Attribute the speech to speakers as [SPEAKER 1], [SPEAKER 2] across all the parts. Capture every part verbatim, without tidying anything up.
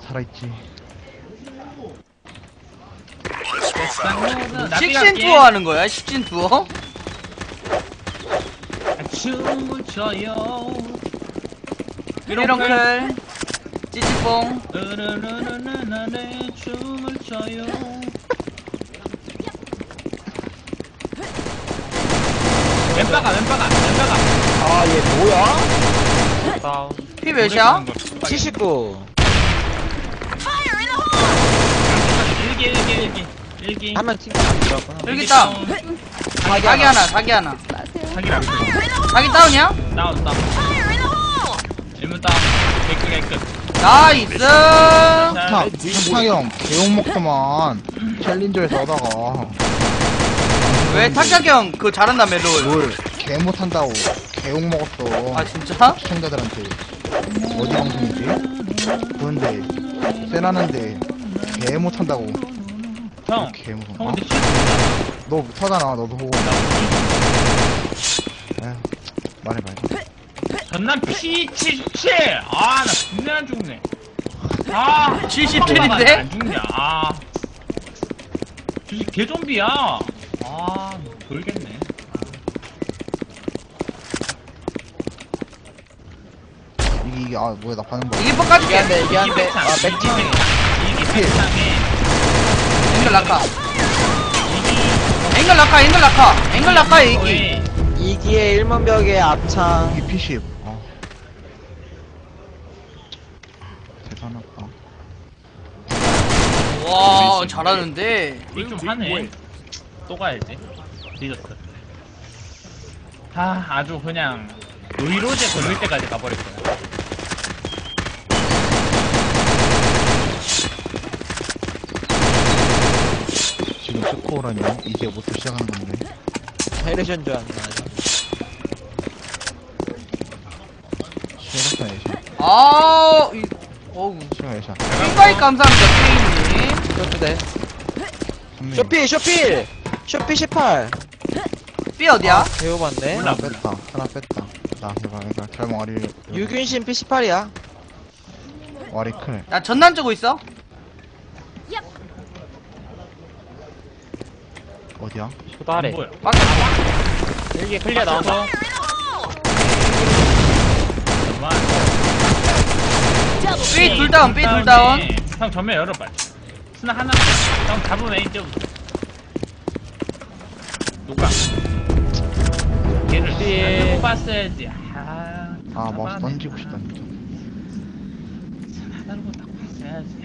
[SPEAKER 1] 살아있지.
[SPEAKER 2] 식신 투어 하는 거야? 식신 투어?
[SPEAKER 3] 춤을 춰요.
[SPEAKER 2] 미러클 찌찌뽕
[SPEAKER 3] 으르르르르르르 춤을 춰요. 왼바가 왼바가 왼바가.
[SPEAKER 4] 아, 얘 뭐야?
[SPEAKER 3] 다운.
[SPEAKER 2] 피 몇이야?
[SPEAKER 4] 칠십구.
[SPEAKER 3] 일기 일기 일기 일기.
[SPEAKER 4] 한명 팀 안 들어갔구나.
[SPEAKER 2] 여기 있다. 자기 하나 자기 하나
[SPEAKER 3] 자기랑
[SPEAKER 2] 자기 다운이야?
[SPEAKER 3] 다운 다운. 일문 다운. 깨끗 깨끗.
[SPEAKER 2] 나이스.
[SPEAKER 1] 타, 탁탁이 형, 개욕 먹더만. 챌린저에서 하다가.
[SPEAKER 2] 왜 탁탁이 형 그거 잘한다며 롤.
[SPEAKER 1] 뭘, 개 못한다고. 개욕 먹었어.
[SPEAKER 2] 아 진짜?
[SPEAKER 1] 시청자들한테. 어디 방송이지? 그런데, 세나는데, 개 못한다고.
[SPEAKER 3] 형.
[SPEAKER 1] 개 무서워.
[SPEAKER 3] 형
[SPEAKER 1] 어?
[SPEAKER 3] 근데 실수야.
[SPEAKER 1] 너 못하잖아, 너도. 에휴, 말해봐.
[SPEAKER 3] 전남 피 칠십칠. 아, 나 죽네 안 죽네. 아,
[SPEAKER 2] 칠십칠인데?
[SPEAKER 3] 안 죽냐. 아, 주식 개좀비야. 아, 돌겠네.
[SPEAKER 1] 이게, 이게, 아, 뭐야, 나 반응 봐.
[SPEAKER 2] 이게 뻑까지
[SPEAKER 4] 이게 안 돼, 이게 안
[SPEAKER 3] 이기
[SPEAKER 4] 돼.
[SPEAKER 3] 백창,
[SPEAKER 4] 아,
[SPEAKER 3] 이기
[SPEAKER 4] 백창.
[SPEAKER 3] 백창, 이기 백창에
[SPEAKER 2] 앵글 낙하
[SPEAKER 3] 이기
[SPEAKER 2] 앵글 낙하 앵글 낙하 앵글 낙하 이기
[SPEAKER 3] 거의
[SPEAKER 4] 이기의 일문벽의 앞창.
[SPEAKER 1] 이게 피십. 아. 대단하다.
[SPEAKER 2] 와 잘하는데
[SPEAKER 3] 이좀 하네. 또 가야지. 늦었어. 아, 아주 그냥 노이로제 걸릴 때까지 가버릴 거야.
[SPEAKER 1] 지금 스코어라뇨? 이제 부터 시작하는 건데.
[SPEAKER 4] 헤레션 줄 알았네.
[SPEAKER 1] 시작했어, 예샷.
[SPEAKER 2] 아 이, 어우
[SPEAKER 1] 시작, 예샷.
[SPEAKER 2] 핑가이 감사합니다 트레이님
[SPEAKER 4] 쇼트대.
[SPEAKER 1] 선미.
[SPEAKER 4] 쇼필, 쇼필! 쇼필 십팔.
[SPEAKER 2] B 어디야?
[SPEAKER 4] 배워봤네.
[SPEAKER 3] 몰라.
[SPEAKER 1] 하나 뺐다. 하나 뺐다. 나, 해봐, 해봐. 결국 와리.
[SPEAKER 4] 유균신 피 십팔이야.
[SPEAKER 1] 와리 클.
[SPEAKER 2] 나 전난 주고 있어
[SPEAKER 1] 어디야?
[SPEAKER 3] 안 보여.
[SPEAKER 2] 밖에
[SPEAKER 4] 여기 클리어 나온다.
[SPEAKER 3] 정말.
[SPEAKER 2] B 둘 다운 B 둘 다운
[SPEAKER 3] 형 전면 열어봐. 스나 하나. 형 잡으면 이제부터. 누가? 걔를 삐 봤어야지. 아,
[SPEAKER 1] 아, 마우스 던지고 싶다, 진짜.
[SPEAKER 3] 하나로 딱 봤어야지.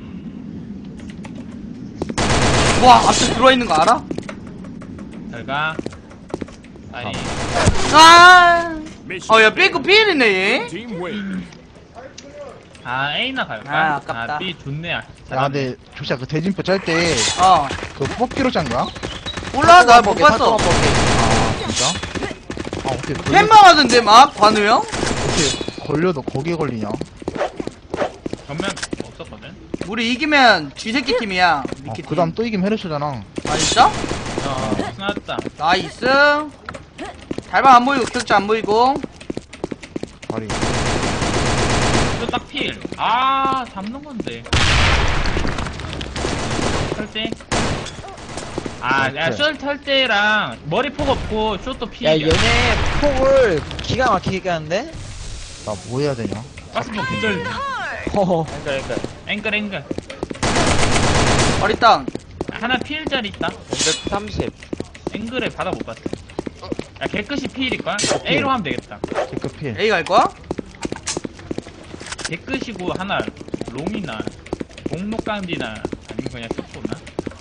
[SPEAKER 2] 와 앞에 들어와 있는 거 알아?
[SPEAKER 3] 잘가. 아니.
[SPEAKER 2] 아 어야 B급 B이네 얘
[SPEAKER 3] 아, A나 갈까?
[SPEAKER 2] 아, 아깝다.
[SPEAKER 3] 아, B 좋네.
[SPEAKER 1] 야, 근데, 조시야, 그 대진표 짤 때,
[SPEAKER 2] 어
[SPEAKER 1] 그 뽑기로 짠 거야?
[SPEAKER 2] 몰라 나 못 봤어
[SPEAKER 1] 아, 진짜? 아, 어떻게, 걸려,
[SPEAKER 2] 캔망 하던데 막 관우 형?
[SPEAKER 1] 어떻게 걸려도 거기에 걸리냐?
[SPEAKER 3] 전면 없었거든.
[SPEAKER 2] 우리 이기면 쥐새끼 팀이야
[SPEAKER 1] 어,
[SPEAKER 2] 미키
[SPEAKER 1] 그 다음 또 이기면 헤르쇼잖아.
[SPEAKER 2] 아 진짜?
[SPEAKER 3] 어, 스나였다.
[SPEAKER 2] 나이스 달방 안 보이고 격자 안 보이고
[SPEAKER 1] 다리.
[SPEAKER 3] 또딱 필. 아, 잡는 건데. 털때. 아, 야, 숏 털때랑 머리 폭 없고 숏도 필이야.
[SPEAKER 4] 야, 얘네 폭을 기가 막히게 하는데?
[SPEAKER 1] 나 뭐 해야 되냐?
[SPEAKER 3] 가스폭 기절.
[SPEAKER 4] 허허.
[SPEAKER 3] 앵글 앵글.
[SPEAKER 2] 머리 다운
[SPEAKER 3] 하나 필짜리 있다.
[SPEAKER 4] 삼십.
[SPEAKER 3] 앵글에 받아 못 봤어. 야, 개끝이 필일걸? A로 하면 되겠다.
[SPEAKER 1] 개급 필.
[SPEAKER 2] A 갈 거야?
[SPEAKER 3] 개끝이고 하나 롱이나 공록감지나 아니면 그냥 숏보나.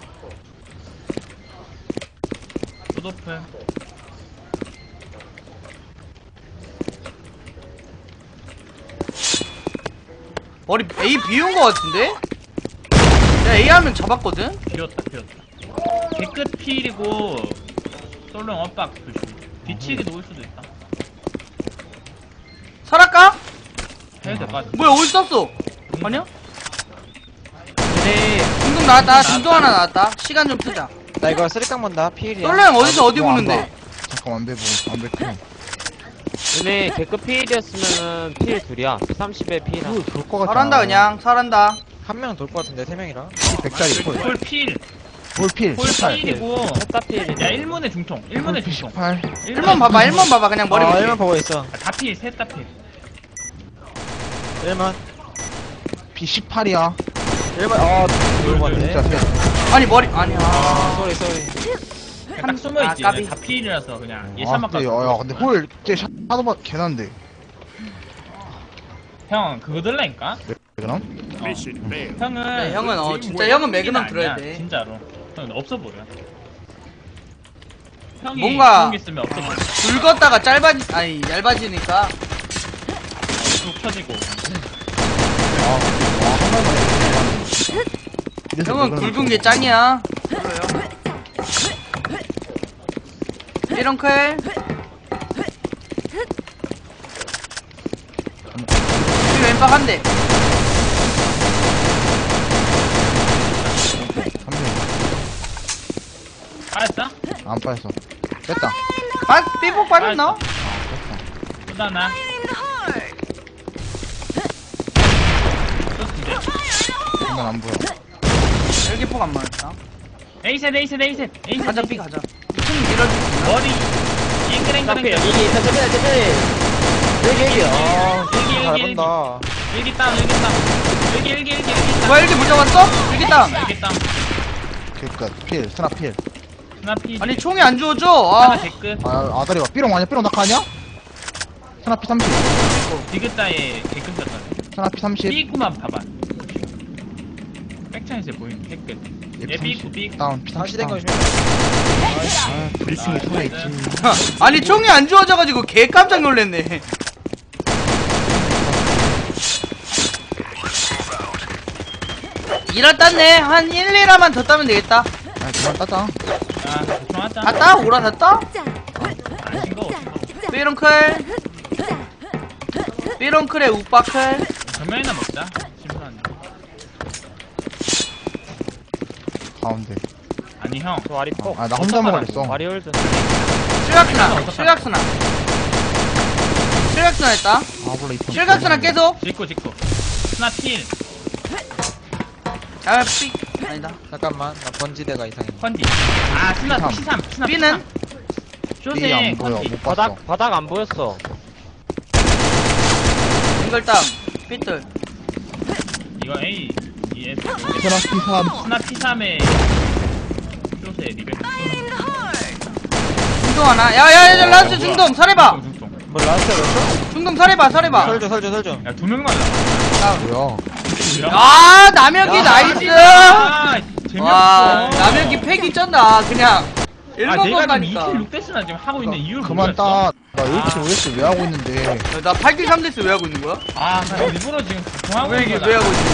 [SPEAKER 3] 숏오픈.
[SPEAKER 2] 머리 A 비운 거 같은데? 야 A 하면 잡았거든?
[SPEAKER 3] 비었다 비었다. 개끝 필이고 솔롱 엇박 조심. 뒤치기도 올 수도 있다.
[SPEAKER 2] 설할까?
[SPEAKER 3] 해야 될 것 같아.
[SPEAKER 2] 뭐야 어디 썼어? 아니야?
[SPEAKER 4] 얘네,
[SPEAKER 2] 중동 나왔다 중동 하나 나왔다 시간 좀 쓰자
[SPEAKER 4] 나 이거 쓰리깡 본다. 피일이야.
[SPEAKER 2] 솔로형 어디서 어디
[SPEAKER 1] 뭐, 안
[SPEAKER 2] 보는데?
[SPEAKER 1] 봐. 잠깐 완배 보고 완배 클.
[SPEAKER 5] 얘네 개급 피일이었으면은 피일 둘이야. 삼십에 피일이야.
[SPEAKER 1] 그거 좋을 것 같아.
[SPEAKER 2] 설한다 그냥 설한다
[SPEAKER 4] 한 명 돌 것 같은데 세 명이라.
[SPEAKER 1] 백짜리 폴.
[SPEAKER 3] 폴 필.
[SPEAKER 1] 볼필.
[SPEAKER 3] 폴
[SPEAKER 1] 십팔.
[SPEAKER 3] 필이고.
[SPEAKER 4] 셋다 필이네.
[SPEAKER 3] 야, 일 문에 중통. 일 문에
[SPEAKER 1] 볼필
[SPEAKER 3] 중통.
[SPEAKER 1] 십팔.
[SPEAKER 2] 일 번 봐봐 일 번 봐봐 그냥 머리
[SPEAKER 4] 아,
[SPEAKER 2] 볼게.
[SPEAKER 4] 일만 보고 있어.
[SPEAKER 3] 아, 다 필, 셋 다 필.
[SPEAKER 4] 일만.
[SPEAKER 1] 비 십팔이야.
[SPEAKER 4] 일만, 아, 돌 것
[SPEAKER 1] 진짜
[SPEAKER 4] 같네.
[SPEAKER 1] 세.
[SPEAKER 2] 아니 머리 아니야.
[SPEAKER 4] 아, 쏘리, 쏘리.
[SPEAKER 3] 그냥 딱 숨어있지.
[SPEAKER 2] 아, 까비.
[SPEAKER 3] 다 필이라서 그냥
[SPEAKER 1] 아,
[SPEAKER 3] 예산만
[SPEAKER 1] 근데,
[SPEAKER 3] 깎아.
[SPEAKER 1] 야, 근데 홀, 쟤 샤도만 개난데.
[SPEAKER 3] 형, 그거 들라니까?
[SPEAKER 1] 왜 그럼?
[SPEAKER 3] 어. 형은.
[SPEAKER 2] 네, 형은 어
[SPEAKER 3] 지금
[SPEAKER 2] 진짜
[SPEAKER 3] 뭐
[SPEAKER 2] 형은 매그넘
[SPEAKER 3] 아니야,
[SPEAKER 2] 들어야 돼.
[SPEAKER 3] 진짜로. 형은 없어 보여. 형이
[SPEAKER 2] 뭔가-
[SPEAKER 3] 좋은 게 있으면 없어 보여.
[SPEAKER 2] 줄 걷다가 짧아지 아니 얇아지니까
[SPEAKER 3] 쭉 쳐지고.
[SPEAKER 1] 이래서
[SPEAKER 2] 형은
[SPEAKER 1] 왜 그러는
[SPEAKER 2] 굵은 게
[SPEAKER 1] 거야?
[SPEAKER 2] 짱이야. 삐렁클. 이 왼쪽 한 대.
[SPEAKER 1] 삼 명.
[SPEAKER 3] 빠졌어?
[SPEAKER 1] 안 빠졌어. 뺐다.
[SPEAKER 2] 빠 삐폭 빠졌나?
[SPEAKER 3] 또 하나. 좋은데.
[SPEAKER 1] 장난 안 보여.
[SPEAKER 2] 일기폭 안 맞았다.
[SPEAKER 3] 에이셋, 에이셋, 에이셋. 에이셋.
[SPEAKER 2] 가자 삐 가자. 이층 밀어줄 수 있나?
[SPEAKER 3] 머리. 앵그랭그랭.
[SPEAKER 4] 여기, 천천히, 천천히. 여기, 여기. 아,
[SPEAKER 3] 여기,
[SPEAKER 4] 잘
[SPEAKER 3] 여기,
[SPEAKER 4] 본다.
[SPEAKER 3] 일기 땅, 일기 땅. 일기, 일기, 일기, 일기 땅.
[SPEAKER 2] 뭐야 일기 못 잡았어? 일기 땅.
[SPEAKER 3] 일기 땅.
[SPEAKER 1] 개끝. 필, 스나 필.
[SPEAKER 3] 스나 피.
[SPEAKER 2] 아니 총이 안 주워져.
[SPEAKER 3] 하나
[SPEAKER 2] 아.
[SPEAKER 3] 개끝.
[SPEAKER 1] 아, 아다리 봐. 삐롱 아니야? 삐롱 낙하 아니야? 스나 피 삼십.
[SPEAKER 3] 디귿자에 개끝 졌다.
[SPEAKER 1] 스나 피 삼십.
[SPEAKER 3] 삐꾸만 봐봐. 백창에서 보이는 개끝. 얘 삐꾸, 삐꾸.
[SPEAKER 1] 다운, 피
[SPEAKER 4] 다시
[SPEAKER 1] 삼십.
[SPEAKER 4] 된
[SPEAKER 1] 다운.
[SPEAKER 4] 거시면.
[SPEAKER 1] 아, 브리핑이 소에 있지.
[SPEAKER 2] 아니 총이 안 주워져가지고 개 깜짝 놀랐네. 일화 땄네. 한 일, 이 라만 더 따면 되겠다.
[SPEAKER 1] 아, 그만 따자.
[SPEAKER 3] 아, 대충 하자.
[SPEAKER 2] 다 따? 오라 다 따?
[SPEAKER 3] 안 싱거워.
[SPEAKER 2] 삐롱클. 삐롱클에 우빠클.
[SPEAKER 3] 전면이나 먹자. 심플한데.
[SPEAKER 1] 가운데.
[SPEAKER 3] 아니, 형.
[SPEAKER 4] 저 와리 폭.
[SPEAKER 1] 아, 나 혼자 먹으랬어.
[SPEAKER 4] 와리 홀드.
[SPEAKER 2] 실각스나. 실각스나. 실각스나 했다.
[SPEAKER 1] 아, 몰라, 이편.
[SPEAKER 2] 실각스나 계속.
[SPEAKER 3] 짓고, 짓고. 스나 필.
[SPEAKER 2] 아, 삐. 아니다.
[SPEAKER 4] 잠깐만, 나 번지대가 이상해.
[SPEAKER 3] 컨디. 아, 스나
[SPEAKER 1] 피삼.
[SPEAKER 3] 피삼. 스나
[SPEAKER 2] 삐는?
[SPEAKER 3] 쇼세
[SPEAKER 1] 삐안 보여.
[SPEAKER 3] 컨디.
[SPEAKER 1] 못 봤어.
[SPEAKER 4] 바닥 안 보였어.
[SPEAKER 2] 빙글땅. 삐뚤.
[SPEAKER 3] 이거 A. 이 S.
[SPEAKER 1] 스나 피 삼.
[SPEAKER 3] 스나 피삼에 쇼세 리벨.
[SPEAKER 2] 중동 하나. 야, 야, 야, 라스트 중동. 설해봐.
[SPEAKER 3] 중동, 중동.
[SPEAKER 4] 뭐 라스트였어?
[SPEAKER 2] 중동 설해봐, 설해봐.
[SPEAKER 4] 설줘, 설줘, 설줘.
[SPEAKER 3] 야, 두 명만 남았다.
[SPEAKER 1] 뭐야.
[SPEAKER 2] 아, 남혁이
[SPEAKER 4] 야,
[SPEAKER 2] 나이스.
[SPEAKER 3] 아, 재미없어.
[SPEAKER 2] 와, 남혁이 패기 쩐다. 그냥.
[SPEAKER 3] 아,
[SPEAKER 2] 일본
[SPEAKER 3] 내가 지금
[SPEAKER 2] 건가니까.
[SPEAKER 3] 이 킬 육 데스나 지금 하고 있는 이유를
[SPEAKER 1] 그만
[SPEAKER 3] 모르겠어.
[SPEAKER 1] 따. 나 일 킬 오 에스 왜 하고 있는데.
[SPEAKER 2] 나 팔 킬 삼 데스 왜 하고 있는 거야?
[SPEAKER 3] 아, 나 일부러 지금 방송하고
[SPEAKER 2] 왜
[SPEAKER 3] 있는
[SPEAKER 2] 이게
[SPEAKER 3] 거다.
[SPEAKER 2] 왜 하고 있는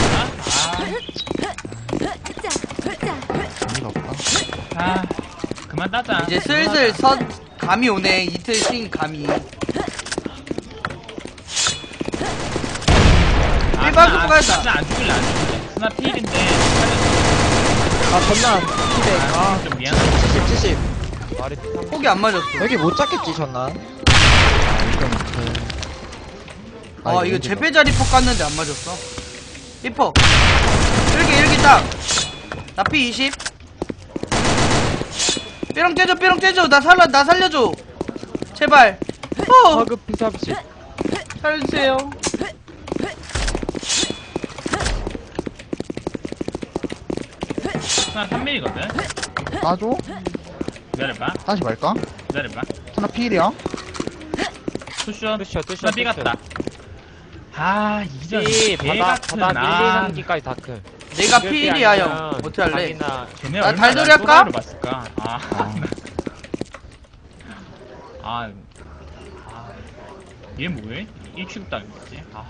[SPEAKER 1] 재미가 없다.
[SPEAKER 3] 아, 아, 그만 따자.
[SPEAKER 2] 이제 슬슬 선 감이 오네. 이틀 쉰 감이.
[SPEAKER 3] 아,
[SPEAKER 2] 일반
[SPEAKER 3] 스나,
[SPEAKER 2] 급부가 했다.
[SPEAKER 3] 스나 안 죽일래, 안 죽일래. 스나 필인데.
[SPEAKER 4] 아, 전난. 피백.
[SPEAKER 3] 아,
[SPEAKER 4] 아,
[SPEAKER 3] 좀 미안하다.
[SPEAKER 4] 칠십, 칠십. 와리 피삼.
[SPEAKER 2] 폭이 안 맞았어.
[SPEAKER 4] 여기 못 잡겠지, 전난.
[SPEAKER 1] 일단 그.
[SPEAKER 2] 아, 이거 제패자리 폭 갔는데 안 맞았어. 삐폭. 일기, 일기 딱. 나 피 이십. 삐렁 떼줘, 삐렁 떼줘. 나 살려, 나 살려줘. 제발. 어,
[SPEAKER 4] 허급 피 삼십.
[SPEAKER 2] 살려주세요.
[SPEAKER 3] 스나 삼 밀이거든.
[SPEAKER 1] 따줘?
[SPEAKER 3] 기다려봐.
[SPEAKER 1] 다시 말까?
[SPEAKER 3] 기다려봐.
[SPEAKER 1] 스나 필이야?
[SPEAKER 3] 투션.
[SPEAKER 4] 투셔, 투셔,
[SPEAKER 3] 스나 B
[SPEAKER 4] 투셔.
[SPEAKER 3] 같다. 아, 이전
[SPEAKER 4] 삐,
[SPEAKER 3] 개
[SPEAKER 4] 바닥,
[SPEAKER 3] 같은
[SPEAKER 4] 바닥 일, 이,
[SPEAKER 3] 아.
[SPEAKER 4] 삼 기까지 다크.
[SPEAKER 2] 내가 피 일이야, 형. 어떻게 할래?
[SPEAKER 4] 자기나
[SPEAKER 3] 걔네
[SPEAKER 2] 나
[SPEAKER 3] 얼마나
[SPEAKER 2] 달돌이 할까?
[SPEAKER 3] 또라이로 봤을까? 아,
[SPEAKER 1] 아.
[SPEAKER 3] 아, 아, 얘 뭐해? 일 취급 당했지? 아,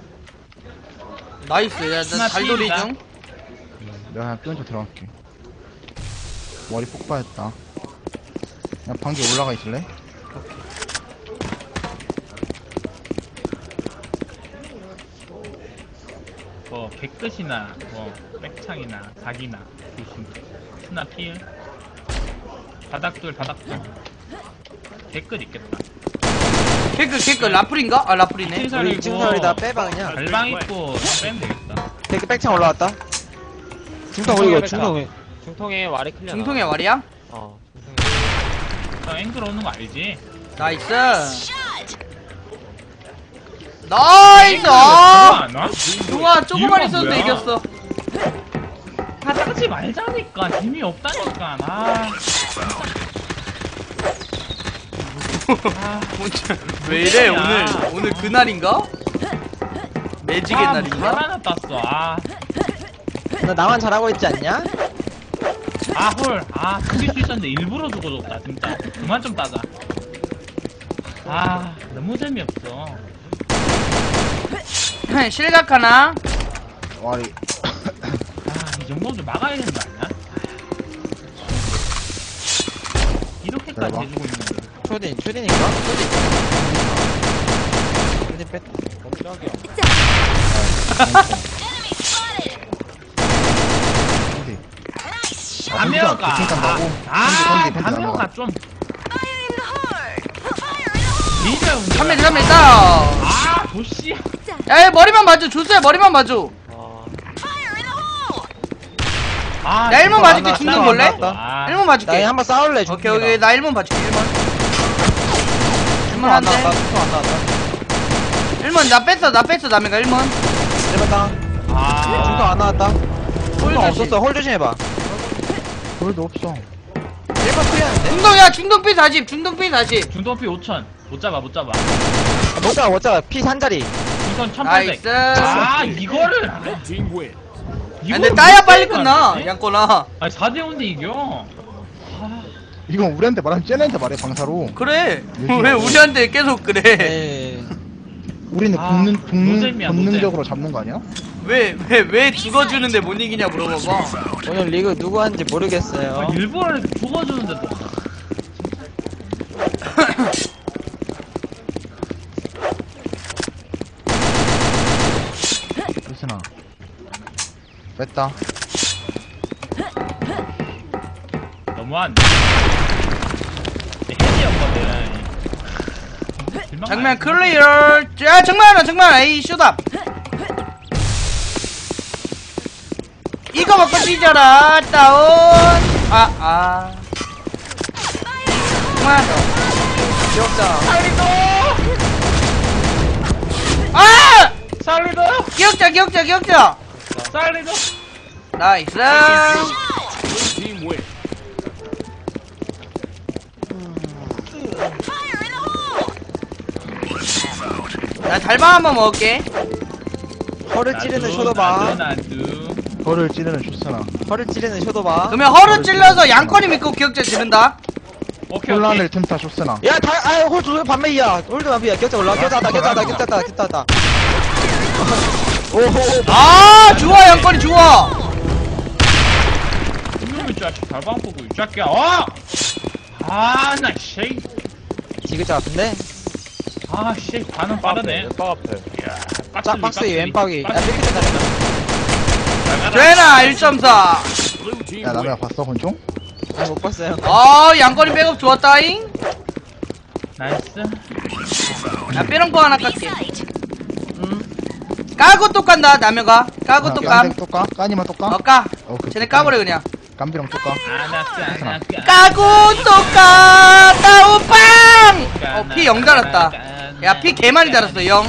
[SPEAKER 2] 나이스. 야, 나
[SPEAKER 3] 스나
[SPEAKER 2] 달돌이
[SPEAKER 3] 피입니다.
[SPEAKER 2] 중.
[SPEAKER 1] 내가 그냥 삐얹어 들어갈게. 머리 폭발했다. 그냥 방귀 올라가 있을래?
[SPEAKER 3] 뭐 개끝이나 뭐 백창이나 사기나 조심. 스나 필. 바닥돌 바닥돌. 개끝 있겠다.
[SPEAKER 2] 개그, 개그. 라플인가? 아, 라플이네.
[SPEAKER 3] 칠살이고
[SPEAKER 4] 우리 층설이다 빼봐, 그냥.
[SPEAKER 3] 발방 있고 빼면 되겠다.
[SPEAKER 4] 백, 백창 올라왔다. 중통 올리고, 중통.
[SPEAKER 5] 중통에 와리 클리어.
[SPEAKER 2] 중통의 와리야?
[SPEAKER 5] 어.
[SPEAKER 3] 형 앵글 오는 거 알지?
[SPEAKER 2] 나이스. 나이스. 아,
[SPEAKER 3] 안 와?
[SPEAKER 2] 좋아, 조금만
[SPEAKER 3] 이유가
[SPEAKER 2] 있어도
[SPEAKER 3] 뭐야?
[SPEAKER 2] 이겼어.
[SPEAKER 3] 아 따지 말자니까 재미없다니까 아. 아,
[SPEAKER 2] 왜 이래
[SPEAKER 3] 뭐야.
[SPEAKER 2] 오늘 오늘 그날인가? 매직의
[SPEAKER 3] 아,
[SPEAKER 2] 날인가?
[SPEAKER 3] 잘 하나 땄어. 아,
[SPEAKER 4] 너 나만 잘하고 있지 않냐?
[SPEAKER 3] 아 헐, 아 죽일 수 있었는데 일부러 죽어줬다 진짜. 그만 좀 따자. 아, 너무 재미없어.
[SPEAKER 2] 실각 하나.
[SPEAKER 1] 와리.
[SPEAKER 3] 아, 이 정도는 좀 막아야 되는 거 아니야? 이렇게까지
[SPEAKER 1] 대박.
[SPEAKER 3] 해주고 있는 거.
[SPEAKER 4] 초딘, 초딘인가? 초딘. 초딘 뺐다.
[SPEAKER 5] 깜짝이야.
[SPEAKER 1] 컨디.
[SPEAKER 3] 가면가.
[SPEAKER 1] 아, 컨디 간다고?
[SPEAKER 3] 아,
[SPEAKER 1] 컨디, 컨디, 컨디
[SPEAKER 3] 가면가
[SPEAKER 1] 간다고.
[SPEAKER 3] 좀. 리저
[SPEAKER 2] 삼 일, 삼 일, 따.
[SPEAKER 3] 아, 도씨.
[SPEAKER 2] 야, 얘 머리만 봐줘. 조수야, 머리만 봐줘.
[SPEAKER 5] 어.
[SPEAKER 3] 아,
[SPEAKER 2] 야, 일문
[SPEAKER 3] 이거
[SPEAKER 2] 봐줄게.
[SPEAKER 3] 안
[SPEAKER 2] 중등
[SPEAKER 3] 나왔다.
[SPEAKER 2] 볼래?
[SPEAKER 3] 아,
[SPEAKER 2] 일문
[SPEAKER 4] 나
[SPEAKER 2] 봐줄게.
[SPEAKER 4] 한번 싸울래,
[SPEAKER 2] 오케이,
[SPEAKER 4] 중통이랑.
[SPEAKER 2] 오케이. 나 일문 봐줄게. 일문. 일문
[SPEAKER 4] 안 나왔다,
[SPEAKER 2] 한대.
[SPEAKER 4] 중통 안 나왔다.
[SPEAKER 2] 일문 나 뺐어. 나 뺐어. 남이가 일문.
[SPEAKER 4] 일번 땅.
[SPEAKER 3] 아,
[SPEAKER 4] 중통 안 나왔다.
[SPEAKER 2] 홀
[SPEAKER 4] 중통
[SPEAKER 2] 조심.
[SPEAKER 4] 없었어, 홀 조심해봐.
[SPEAKER 1] 볼도 없어.
[SPEAKER 4] 일 번 클리어하는데?
[SPEAKER 2] 중동이야. 중동 B 사십. 중동 B 사십.
[SPEAKER 3] 중도피 오천. 못 잡아, 못 잡아.
[SPEAKER 4] 못 잡아, 못 잡아. 피 한 자리.
[SPEAKER 3] 이건 천팔백.
[SPEAKER 2] 나이스.
[SPEAKER 3] 아, 이거를.
[SPEAKER 2] 아,
[SPEAKER 3] 이거를
[SPEAKER 2] 근데 따야
[SPEAKER 3] 못
[SPEAKER 2] 빨리
[SPEAKER 3] 잡을
[SPEAKER 2] 끝나.
[SPEAKER 3] 것 같네?
[SPEAKER 2] 양꼬나.
[SPEAKER 3] 아니, 사 대 오인데 이겨. 아,
[SPEAKER 1] 이건 우리한테 말하면 쟤네한테 말해, 방사로.
[SPEAKER 2] 그래.
[SPEAKER 1] 요즘
[SPEAKER 2] 왜 우리한테 계속 그래?
[SPEAKER 4] 에이.
[SPEAKER 1] 우리는
[SPEAKER 3] 아,
[SPEAKER 1] 본능, 본능,
[SPEAKER 3] 노잼이야,
[SPEAKER 1] 본능적으로 잡는 거 아니야?
[SPEAKER 2] 왜, 왜, 왜 죽어주는데 못 이기냐 물어봐봐.
[SPEAKER 4] 오늘 리그 누구 하는지 모르겠어요.
[SPEAKER 3] 아, 일부러 이렇게 죽어주는데도.
[SPEAKER 1] 루스나. 뺐다.
[SPEAKER 3] 너무한. 헬이었거든.
[SPEAKER 2] 정면 클리어. 야, 정면 하나, 정면 하나. 에이, 쇼답. 이거 먹고 뒤져라. 다운. 아, 아. 정면 하나 더.
[SPEAKER 4] 기억자.
[SPEAKER 2] 아!
[SPEAKER 3] 살리도!
[SPEAKER 2] 기억자, 기억자, 기억자.
[SPEAKER 3] 살리도!
[SPEAKER 2] 나이스. 나 달방 한번 먹을게.
[SPEAKER 4] 허를 찌르는 쇼도바.
[SPEAKER 3] 나도.
[SPEAKER 1] 벌을 찌르는 쇼스나.
[SPEAKER 4] 허를 찌르는 쇼도바.
[SPEAKER 2] 그러면 허를 찔러서 양권이 믿고 기억자 지른다.
[SPEAKER 3] 오케이, 오케이.
[SPEAKER 1] 혼란을 틈타 쇼스나.
[SPEAKER 4] 야, 다, 아, 홀 두, 반매이야. 홀도 반매이야. 격자 올라와. 격자 왔다, 격자 왔다, 격자 왔다, 격자 왔다. 오호.
[SPEAKER 2] 아, 좋아, 양권이 좋아.
[SPEAKER 3] 이놈의 자식 달방 보고 이 자식야. 어! 아, 나 씨.
[SPEAKER 4] 지그자 같은데?
[SPEAKER 3] 아, 씨. 반응 빠르네.
[SPEAKER 5] 왼박 앞에.
[SPEAKER 3] 이야,
[SPEAKER 4] 짝
[SPEAKER 3] 빡슬리,
[SPEAKER 4] 박스에 왼박이. 야,
[SPEAKER 3] 빡슬리.
[SPEAKER 4] 삐끗 잘했다.
[SPEAKER 2] 되나, 일 점 사.
[SPEAKER 1] 야, 남이야 봤어, 권총?
[SPEAKER 4] 아, 못 봤어요.
[SPEAKER 2] 아, 양권이 백업 좋았다잉.
[SPEAKER 3] 나이스.
[SPEAKER 2] 야, 삐렁포 하나 깎게. 음. 까고 또 깐다, 남녀가. 까고 또 깜.
[SPEAKER 1] 또 까? 까니만 또 까?
[SPEAKER 2] 어, 까.
[SPEAKER 1] 오케이.
[SPEAKER 2] 쟤네 까버려, 그냥.
[SPEAKER 1] 깜비랑 또 까?
[SPEAKER 3] 아나까, 아나까.
[SPEAKER 2] 까고 또 까. 다운빵! 어, 피 영 달았다. 야, 피 개 많이 달았어, 영.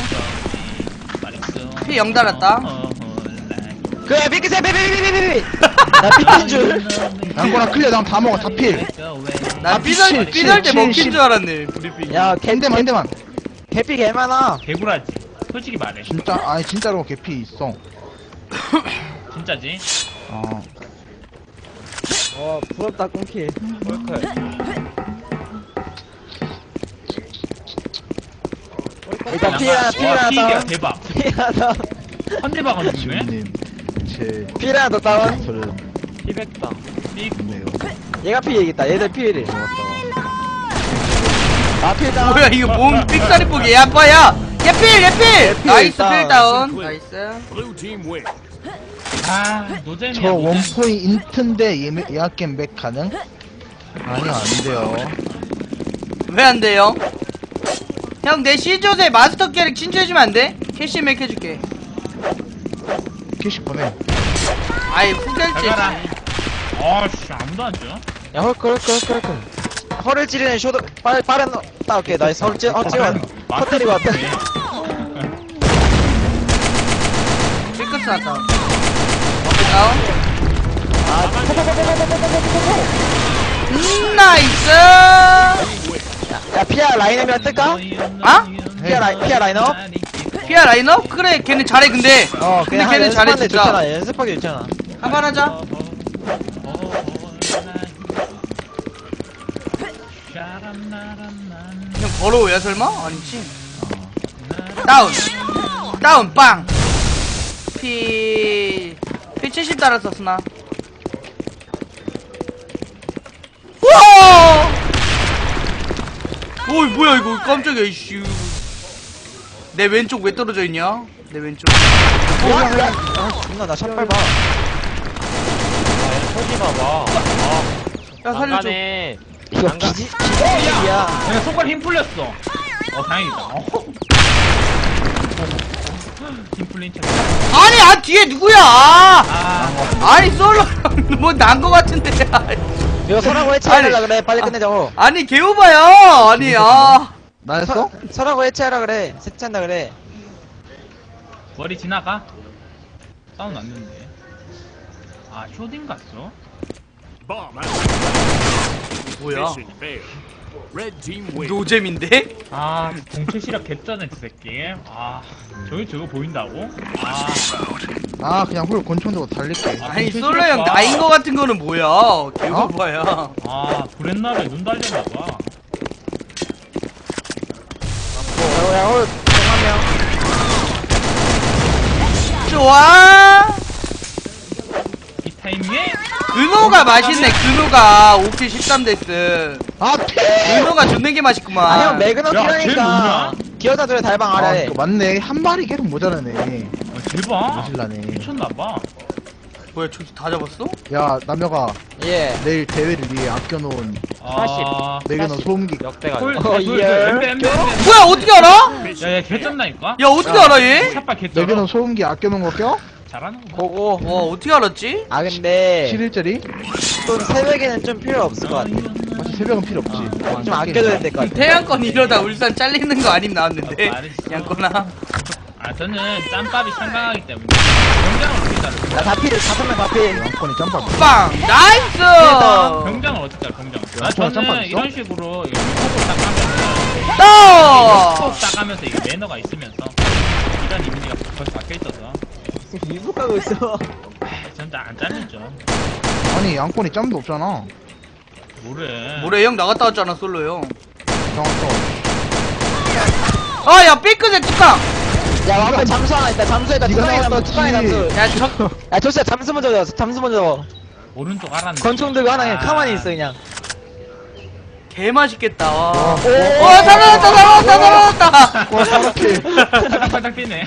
[SPEAKER 2] 피 영 달았다.
[SPEAKER 4] 그래, 삐끗해, 삐삐삐삐삐삐. 나 삐끗인 줄.
[SPEAKER 1] 양꼬나 클리어, 난 다 먹어, 다 필.
[SPEAKER 2] 나 삐설,
[SPEAKER 1] 칠,
[SPEAKER 2] 삐설 때
[SPEAKER 1] 칠,
[SPEAKER 2] 먹힌
[SPEAKER 1] 칠.
[SPEAKER 2] 줄 알았네, 브리핑.
[SPEAKER 4] 야, 개,
[SPEAKER 1] 한 대만, 한 대만.
[SPEAKER 4] 개피 개 많아.
[SPEAKER 3] 개구라지. 솔직히 말해.
[SPEAKER 1] 진짜, 아니, 진짜로 개피 있어.
[SPEAKER 3] 진짜지.
[SPEAKER 1] 어.
[SPEAKER 4] 와, 부럽다, 꽁키.
[SPEAKER 5] 홀클.
[SPEAKER 4] 일단 피라, 피라
[SPEAKER 3] 피가
[SPEAKER 4] 다운.
[SPEAKER 3] 대박.
[SPEAKER 4] 피라 다운.
[SPEAKER 3] 한 대박은 죽네.
[SPEAKER 1] 주님, 제
[SPEAKER 4] 피라 더 다운.
[SPEAKER 1] 저는
[SPEAKER 5] 피백당.
[SPEAKER 3] 삑.
[SPEAKER 1] 좋네요.
[SPEAKER 4] 얘가 피해야겠다. 얘들 피해를. 나 피해 다운.
[SPEAKER 2] 뭐야, 이거 몸 삑사리 보기. 야, 빠야. 예필, 예필! 나이스,
[SPEAKER 4] 다운.
[SPEAKER 2] 필 다운. 나이스.
[SPEAKER 3] 아, 노잼이야.
[SPEAKER 1] 저
[SPEAKER 3] 노잼.
[SPEAKER 1] 원포인 인트인데 예매- 예약 게임 맥 가능? 아니요, 안 돼요.
[SPEAKER 2] 왜 안 돼요? 형, 내 C조세 마스터 캐릭 친추해주면 안 돼? 캐시 맥 해줄게.
[SPEAKER 1] 킬씩 보내.
[SPEAKER 2] 아이 후결제.
[SPEAKER 3] 잘 가라. 아씨 아무도 안 줘.
[SPEAKER 4] 야 헐크 헐크 헐크 헐크 허를 찌르는 쇼도 빠른 빠른 딱 오케이 나이스 허를 찌 어, 찌워 허 때리고 왔다
[SPEAKER 2] 삐끗 났다. 오케이 다운.
[SPEAKER 4] 아
[SPEAKER 2] 음 나이스.
[SPEAKER 4] 야 피아 라인업이랑 뜰까?
[SPEAKER 2] 아?
[SPEAKER 4] 피아 라인 피아 라인업?
[SPEAKER 2] 피아 라인업? 그래 걔네 잘해 근데.
[SPEAKER 4] 어
[SPEAKER 2] 근데
[SPEAKER 4] 그냥
[SPEAKER 2] 걔는 잘해
[SPEAKER 4] 연습하는데
[SPEAKER 2] 진짜.
[SPEAKER 4] 좋잖아 연습하기 좋잖아
[SPEAKER 2] 한판 하자. 그냥 걸어오야 설마? 아니지. 다운. 다운 빵. 피. 피 칠십 달았었어 나. 우와! 어이 뭐야 이거 깜짝이야 이씨. 내 왼쪽 왜 떨어져 있냐? 내 왼쪽.
[SPEAKER 4] 아 존나 나 샷발 봐
[SPEAKER 5] 터지 봐봐.
[SPEAKER 2] 야 살려줘.
[SPEAKER 5] 안가네.
[SPEAKER 4] 이거
[SPEAKER 5] 안 가.
[SPEAKER 4] 기지 기지야
[SPEAKER 3] 그냥 손가락 힘 풀렸어. 어 다행이다. 어. 힘 풀린 척.
[SPEAKER 2] 아니 아 뒤에 누구야? 아,
[SPEAKER 3] 아,
[SPEAKER 2] 아니 솔로 뭐난 거 같은데.
[SPEAKER 4] 이거 서라고
[SPEAKER 2] 아니.
[SPEAKER 4] 해체하려 그래 빨리 끝내자고
[SPEAKER 2] 아니 개오바야. 아니 아.
[SPEAKER 1] 나였어?
[SPEAKER 4] 서라고 해체하라 그래 세차한다 그래
[SPEAKER 3] 머리 지나가. 사운드 났는데. 아 쇼딩 갔어?
[SPEAKER 2] 뭐야?
[SPEAKER 6] Failed. Red team wins.
[SPEAKER 2] 노잼인데?
[SPEAKER 3] 아 공채 시력 개쩌네 저 새끼. 아 저기 저거 보인다고? 아
[SPEAKER 1] 아 그냥 홀 권총 들고 달릴게.
[SPEAKER 2] 아니 솔로 형 나인 거 같은 거는 뭐야? 개오바야.
[SPEAKER 3] 아 브랜나를 눈 달렸나봐.
[SPEAKER 4] 야홀 공한명
[SPEAKER 2] 좋아.
[SPEAKER 3] 이 타이밍에
[SPEAKER 2] 근호가 맛있네. 근호가 오 킬 십삼 데스.
[SPEAKER 1] 아 피!
[SPEAKER 2] 근호가 존나 게 맛있구만.
[SPEAKER 4] 아형 매그넘
[SPEAKER 3] 야, 쟤
[SPEAKER 4] 키라니까
[SPEAKER 3] 뭐냐?
[SPEAKER 4] 기어다들의 달방
[SPEAKER 1] 아
[SPEAKER 4] 아래
[SPEAKER 1] 이거 맞네. 한 마리 계속 모자라네.
[SPEAKER 3] 어, 대박.
[SPEAKER 1] 모질라네.
[SPEAKER 3] 미쳤나봐.
[SPEAKER 2] 뭐야 저기 다 잡았어?
[SPEAKER 1] 야 남녀가
[SPEAKER 4] 예
[SPEAKER 1] 내일 대회를 위해 아껴놓은
[SPEAKER 3] 아
[SPEAKER 1] 매그넘 소음기.
[SPEAKER 5] 역대가.
[SPEAKER 3] 홀,
[SPEAKER 4] 어,
[SPEAKER 3] 홀,
[SPEAKER 4] 예.
[SPEAKER 3] 엠베, 엠베, 엠베.
[SPEAKER 2] 뭐야 어떻게 알아?
[SPEAKER 3] 야야 개쩐다니까?
[SPEAKER 2] 야 어떻게 알아 얘?
[SPEAKER 3] 샷발 개쩔어.
[SPEAKER 1] 매그넘 소음기 아껴놓은 거 껴?
[SPEAKER 3] 잘하는 거.
[SPEAKER 4] 보고
[SPEAKER 2] 와 어떻게 알았지?
[SPEAKER 4] 아 근데
[SPEAKER 1] 칠 일짜리?
[SPEAKER 4] 또 새벽에는 좀 필요 없을 것 같아
[SPEAKER 1] 사실 새벽은 필요 없지.
[SPEAKER 4] 좀 아껴줘야 될 것 같아
[SPEAKER 2] 태양권 이러다 울산 잘리는 거 아님 나왔는데.
[SPEAKER 3] 말했어.
[SPEAKER 2] 양권아.
[SPEAKER 3] 아 저는 짬밥이 상당하기 때문에 병장을 어떻게 자르?
[SPEAKER 4] 나 다필 다섯 명 다필
[SPEAKER 1] 양권이 짬밥.
[SPEAKER 2] 빵 나이스.
[SPEAKER 3] 병장을 어떻게 자르? 병장. 아
[SPEAKER 1] 야, 짬밥
[SPEAKER 3] 저는
[SPEAKER 1] 있어?
[SPEAKER 3] 이런 식으로 이거 톡톡 딱 하면서
[SPEAKER 2] 또.
[SPEAKER 3] 톡톡 딱 하면서 이게 매너가 있으면서 이런 이미지가 벌써 박혀 있어서
[SPEAKER 4] 미국하고 있어
[SPEAKER 3] 저는 안 잘리죠.
[SPEAKER 1] 아니 양권이 짬도 없잖아.
[SPEAKER 3] 뭐래?
[SPEAKER 2] 모래 형 나갔다 왔잖아 솔로 형.
[SPEAKER 1] 정확해.
[SPEAKER 2] 아야 삐끗의 뚜껑.
[SPEAKER 4] 야 와봐 잠수 하나 있다 잠수에다
[SPEAKER 1] 네가
[SPEAKER 4] 뚜껑에 잠수
[SPEAKER 1] 나왔다,
[SPEAKER 4] 뚜껑에 잠수
[SPEAKER 2] 야 저.
[SPEAKER 4] 야 조수야 잠수 먼저 넣어 잠수 먼저 넣어
[SPEAKER 3] 오른쪽 알았네.
[SPEAKER 4] 권총 들고 하나 그냥
[SPEAKER 3] 아.
[SPEAKER 4] 가만히 있어 그냥
[SPEAKER 2] 개 맛있겠다. 와.
[SPEAKER 1] 와,
[SPEAKER 2] 와 살아났다 살아났다 살아났다.
[SPEAKER 1] 와 사각해.
[SPEAKER 3] 바닥바닥 뛰네.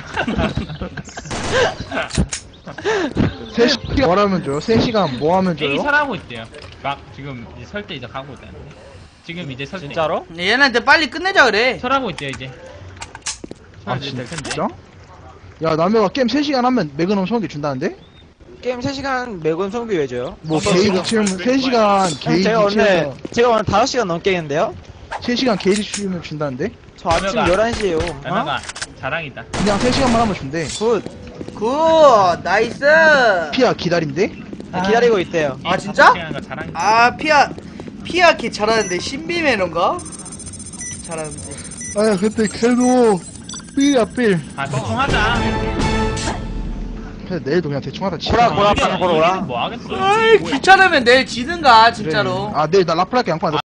[SPEAKER 1] 세 시간 뭐 하면 줘요? 세 시간 뭐 하면 줘요?
[SPEAKER 3] A 설하고 있대요. 막 지금 이제 설때 이제 가고 있다는데. 지금 이제 설때.
[SPEAKER 5] 진짜로?
[SPEAKER 2] 얘네한테 빨리 끝내자 그래.
[SPEAKER 3] 설하고 있대요 이제.
[SPEAKER 1] 아
[SPEAKER 3] 설 이제 될 텐데.
[SPEAKER 1] 진짜? 야 남녀가 게임 세 시간 하면 매그넘 소음기 준다는데?
[SPEAKER 4] 게임 세 시간 매건 성비 왜 줘요?
[SPEAKER 1] 뭐 게이지 치우면 세 시간 게이지
[SPEAKER 4] 제가 오늘
[SPEAKER 1] 치우면
[SPEAKER 4] 제가 오늘 다섯 시간 넘게 했는데요?
[SPEAKER 1] 세 시간 게이지 치우면 준다는데?
[SPEAKER 4] 저 아침
[SPEAKER 3] 연어가.
[SPEAKER 4] 열한 시에요 어?
[SPEAKER 3] 연아가 자랑이다.
[SPEAKER 1] 그냥 세 시간만 하면 준대.
[SPEAKER 4] 굿
[SPEAKER 2] 굿 나이스.
[SPEAKER 1] 피아 기다린대?
[SPEAKER 4] 네, 기다리고 있대요
[SPEAKER 2] 아, 진짜?
[SPEAKER 3] 거 자랑이다.
[SPEAKER 2] 아 피아 피아 걔 잘하는데 신비 매너인가? 잘하는데.
[SPEAKER 1] 아 근데 걔도 삘이야 삘.
[SPEAKER 3] 아 대충 하자.
[SPEAKER 1] 그래서 내일도 그냥 대충 하다 치자.
[SPEAKER 4] 보라, 보라,
[SPEAKER 3] 이게-
[SPEAKER 4] 보라, 보라.
[SPEAKER 3] 이게 뭐 하겠어?
[SPEAKER 2] 아이 귀찮으면 내일 지든가 진짜로.
[SPEAKER 1] 아 내일 나 라플 할게 양파.